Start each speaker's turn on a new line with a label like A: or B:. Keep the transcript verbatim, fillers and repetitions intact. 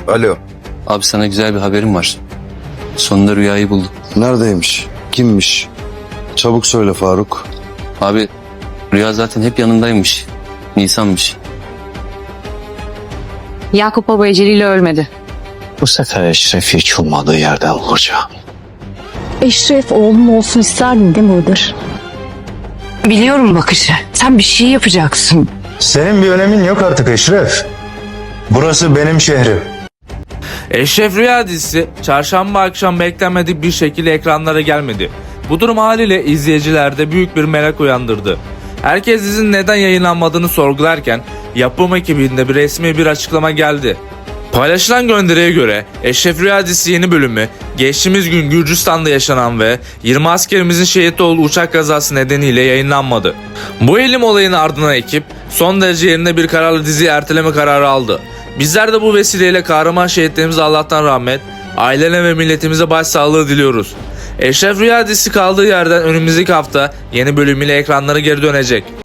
A: Alo.
B: Abi sana güzel bir haberim var. Sonunda Rüya'yı bulduk.
A: Neredeymiş? Kimmiş? Çabuk söyle Faruk.
B: Abi Rüya zaten hep yanındaymış. Nisan'mış.
C: Yakup Baba eceliyle ölmedi.
D: Bu sefer Eşref'i hiç ummadığı yerden vuracağım.
E: Eşref oğlum olsun isterdin değil mi Iğdır?
C: Biliyorum bakışı. Sen bir şey yapacaksın.
F: Senin bir önemin yok artık Eşref. Burası benim şehrim.
G: Eşref Rüya dizisi çarşamba akşam beklenmedik bir şekilde ekranlara gelmedi. Bu durum haliyle izleyicilerde büyük bir merak uyandırdı. Herkes dizinin neden yayınlanmadığını sorgularken yapım ekibinde bir resmi bir açıklama geldi. Paylaşılan gönderiye göre Eşref Rüya dizisi yeni bölümü geçtiğimiz gün Gürcistan'da yaşanan ve yirmi askerimizin şehit olduğu uçak kazası nedeniyle yayınlanmadı. Bu elim olayın ardından ekip son derece yerine bir kararla diziyi erteleme kararı aldı. Bizler de bu vesileyle kahraman şehitlerimize Allah'tan rahmet, ailelerine ve milletimize başsağlığı diliyoruz. Eşref Rüya dizisi kaldığı yerden önümüzdeki hafta yeni bölümüyle ekranlara geri dönecek.